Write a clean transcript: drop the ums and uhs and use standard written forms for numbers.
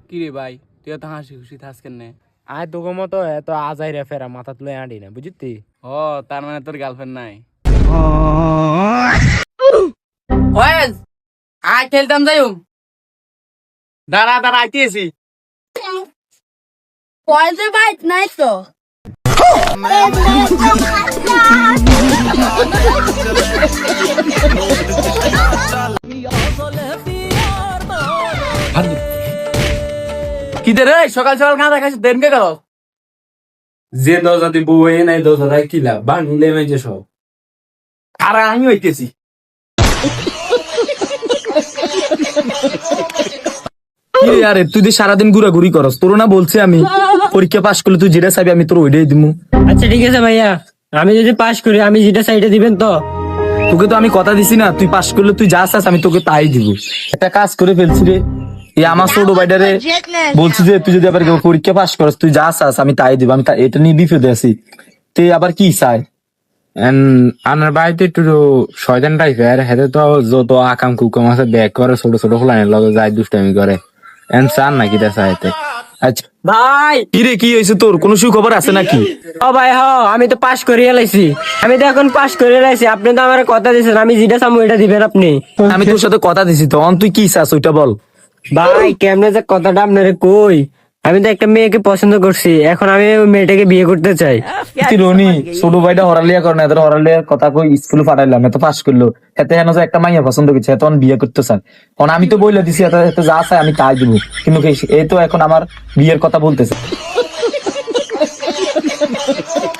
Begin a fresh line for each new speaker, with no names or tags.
কি রে ভাই, তুই তো হাসি খুশি থাস কেন?
আয় তোকে মতো এত আজাই রে ফেরা মাথা তুলে আঁটি না বুঝতি।
ও, তার মানে তোর গার্লফ্রেন্ড নাই?
ওয়েস আয় খেলতাম যাইম।
দাঁড়া দাঁড়া, আইতেছি।
পয়সা বাইক নাই তো।
কি রে সকাল সকাল খাওয়া খাইছিস দেন কে গেল?
যে দরজা তুই বউ হয়ে নাই দরজা কিলা বাংলে মেজে সব।
আর আমি হইতেছি
আরে তুই যে সারাদিন ঘুরাঘুরি করস, তোর না বলছি আমি পরীক্ষা পাশ করলে তুই যেটা চাবি আমি তোর ওইটাই দিব।
আচ্ছা ঠিক আছে ভাইয়া, আমি যদি পাস করি আমি যেটা সাইডে দিবেন তো?
তোকে তো আমি কথা দিছি না, তুই পাশ করলে তুই যা চাস আমি তোকে তাই দিব। একটা কাজ করে ফেলছি রে, এই আমার ছোট ভাইটারে বলছি যে তুই যদি আবার পরীক্ষা পাশ করস তুই যা চাস আমি তাই দিব। আমি এটা নিয়ে বিপদে আছি, তুই আবার কি চাই?
আমার বাড়িতে একটু শয়তান টাইপের, হেতে তো যত আকাম কুকাম আছে ব্যাগ করে ছোট ছোট ফ্লাইনের লগে যায় দুষ্টামি করে। এন চান নাকি দেখা হেতে?
আচ্ছা
ভাই
কি রে, কি হয়েছে তোর? কোনো সুখবর আছে নাকি?
ও ভাই হ, আমি তো পাস করিয়ে লাইছি, আমি তো এখন পাস করিয়ে লাইছি। আপনি তো আমার কথা দিয়েছেন আমি যেটা চামু এটা দিবেন আপনি।
আমি তোর সাথে কথা দিছি, তখন তুই কি চাস ওইটা বল।
ভাই কেমনে যে কথাটা আপনারে কই, আমি তো একটা মেয়েকে পছন্দ করছি, এখন আমি ওই মেয়েটাকে বিয়ে করতে চাই।
তুই রনি ছোট ভাইটা হরালিয়া করে না, এত হরালিয়ার কথা কই স্কুলে পাঠাইলাম, এত পাস করলো, এতে হেন যে একটা মাইয়া পছন্দ করছে এত বিয়ে করতে চান। কারণ আমি তো বইলে দিছি এত এত যা চাই আমি তাই দিব, কিন্তু এই তো এখন আমার বিয়ের কথা বলতেছে।